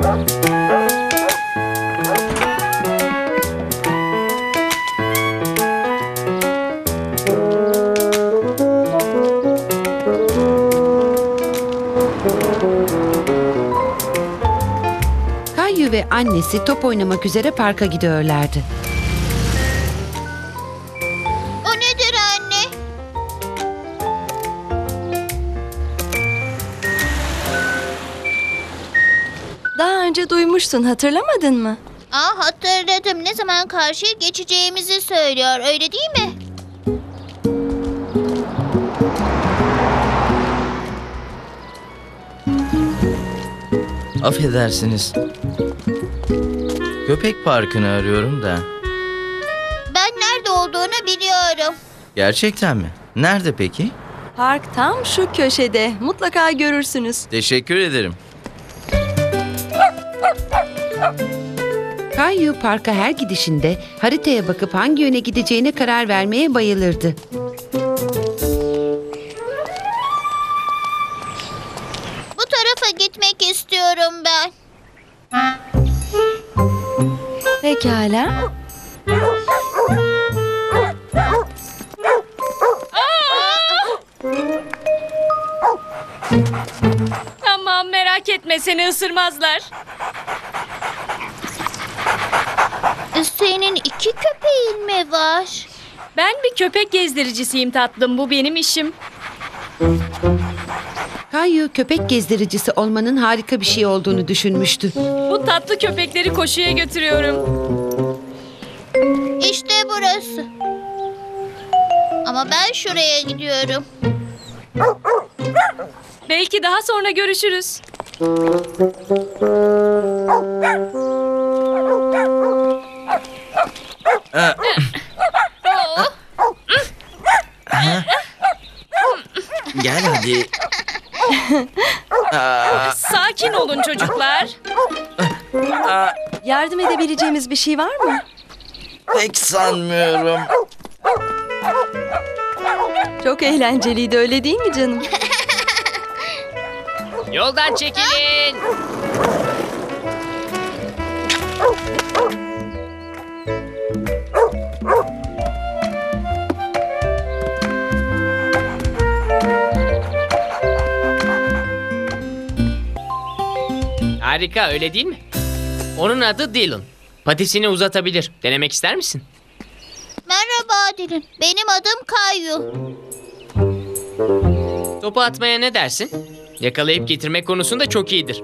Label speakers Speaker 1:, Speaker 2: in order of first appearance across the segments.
Speaker 1: Kayu ve annesi top oynamak üzere parka gidiyorlardı.
Speaker 2: O nedir anne?
Speaker 3: Daha önce duymuştun, hatırlamadın mı?
Speaker 2: Hatırladım. Ne zaman karşıya geçeceğimizi söylüyor. Öyle değil mi?
Speaker 4: Affedersiniz. Köpek parkını arıyorum da.
Speaker 2: Ben nerede olduğunu biliyorum.
Speaker 4: Gerçekten mi? Nerede peki?
Speaker 3: Park tam şu köşede. Mutlaka görürsünüz.
Speaker 4: Teşekkür ederim.
Speaker 1: Kayu parka her gidişinde haritaya bakıp hangi yöne gideceğine karar vermeye bayılırdı.
Speaker 2: Bu tarafa gitmek istiyorum ben.
Speaker 3: Pekala.
Speaker 5: Tamam, merak etme, seni ısırmazlar.
Speaker 2: Senin 2 köpeğin mi var?
Speaker 5: Ben bir köpek gezdiricisiyim tatlım, bu benim işim.
Speaker 1: Kayu köpek gezdiricisi olmanın harika bir şey olduğunu düşünmüştü.
Speaker 5: Bu tatlı köpekleri koşuya götürüyorum.
Speaker 2: İşte burası. Ama ben şuraya gidiyorum.
Speaker 5: Belki daha sonra görüşürüz.
Speaker 4: Gel hadi.
Speaker 5: Sakin olun çocuklar.
Speaker 3: Yardım edebileceğimiz bir şey var mı?
Speaker 4: Pek sanmıyorum.
Speaker 3: Çok eğlenceliydi, öyle değil mi canım?
Speaker 6: Yoldan çekilin. Harika, öyle değil mi? Onun adı Dylan. Patisini uzatabilir. Denemek ister misin?
Speaker 2: Merhaba Dylan. Benim adım Kayu.
Speaker 6: Topu atmaya ne dersin? Yakalayıp getirmek konusunda çok iyidir.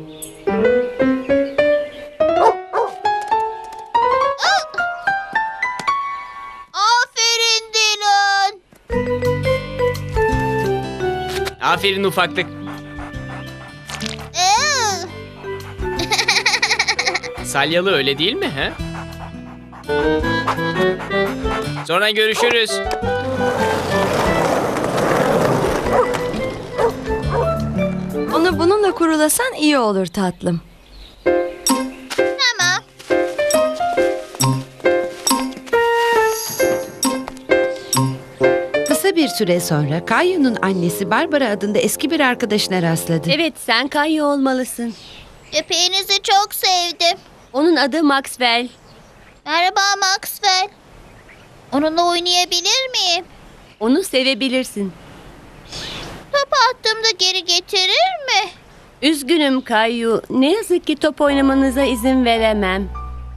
Speaker 2: Aferin Dylan.
Speaker 6: Aferin ufaklık. Salyalı, öyle değil mi? He? Sonra görüşürüz.
Speaker 3: Onu bununla kurulasan iyi olur tatlım.
Speaker 2: Tamam.
Speaker 1: Kısa bir süre sonra Kayu'nun annesi Barbara adında eski bir arkadaşına rastladı.
Speaker 7: Evet, sen Kayu olmalısın.
Speaker 2: Köpeğinizi çok sevdim.
Speaker 7: Onun adı Maxwell.
Speaker 2: Merhaba Maxwell. Onunla oynayabilir miyim?
Speaker 7: Onu sevebilirsin.
Speaker 2: Topu attığımda geri getirir mi?
Speaker 7: Üzgünüm Kayu. Ne yazık ki top oynamanıza izin veremem.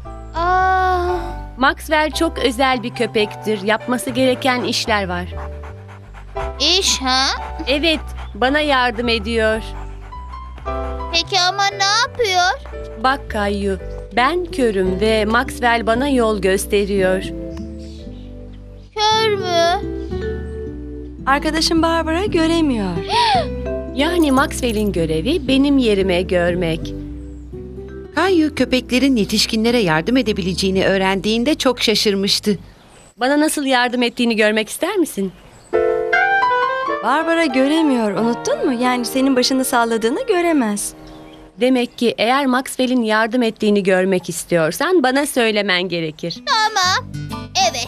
Speaker 7: Maxwell çok özel bir köpektir. Yapması gereken işler var.
Speaker 2: İş ha?
Speaker 7: Evet, bana yardım ediyor.
Speaker 2: Peki ama ne yapıyor?
Speaker 7: Bak Kayu, ben körüm ve Maxwell bana yol gösteriyor.
Speaker 2: Kör mü?
Speaker 3: Arkadaşım Barbara göremiyor.
Speaker 7: Yani Maxwell'in görevi benim yerime görmek.
Speaker 1: Kayu köpeklerin yetişkinlere yardım edebileceğini öğrendiğinde çok şaşırmıştı.
Speaker 7: Bana nasıl yardım ettiğini görmek ister misin?
Speaker 3: Barbara göremiyor, unuttun mu? Yani senin başını salladığını göremez.
Speaker 7: Demek ki eğer Maxwell'in yardım ettiğini görmek istiyorsan bana söylemen gerekir.
Speaker 2: Tamam. Evet.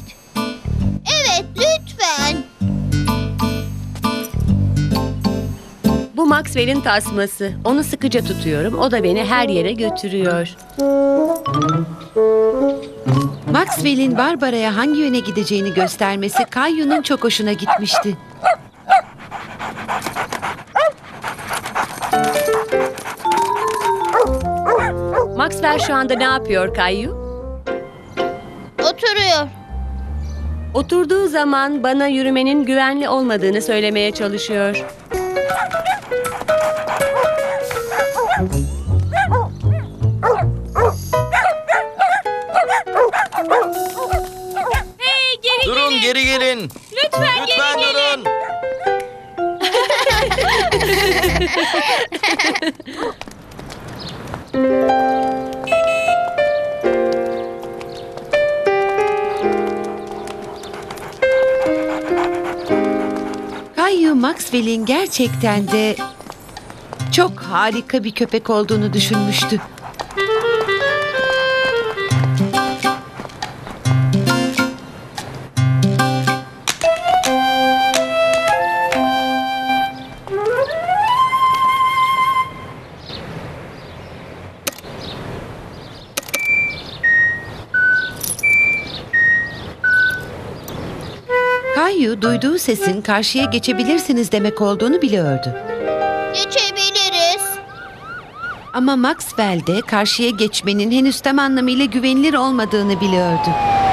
Speaker 2: Evet lütfen.
Speaker 7: Bu Bu Maxwell'in tasması. Onu sıkıca tutuyorum. O da beni her yere götürüyor.
Speaker 1: Maxwell'in Barbara'ya hangi yöne gideceğini göstermesi Kayu'nun çok hoşuna gitmişti.
Speaker 7: Maxwell şu anda ne yapıyor Kayu?
Speaker 2: Oturuyor.
Speaker 7: Oturduğu zaman bana yürümenin güvenli olmadığını söylemeye çalışıyor.
Speaker 5: Hey geri
Speaker 4: Durun,
Speaker 5: gelin.
Speaker 4: geri gelin.
Speaker 5: Lütfen geri
Speaker 4: Lütfen
Speaker 5: gelin.
Speaker 4: durun.
Speaker 1: Kayu Maxwell'in gerçekten de çok harika bir köpek olduğunu düşünmüştü. Kayu duyduğu sesin karşıya geçebilirsiniz demek olduğunu biliyordu.
Speaker 2: Geçebiliriz.
Speaker 1: Ama Maxwell de karşıya geçmenin henüz tam anlamıyla güvenilir olmadığını biliyordu.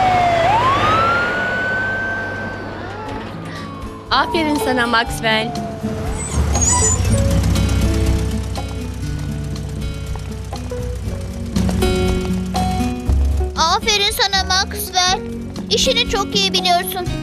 Speaker 7: Aferin sana Maxwell.
Speaker 2: Aferin sana Maxwell. İşini çok iyi biliyorsun.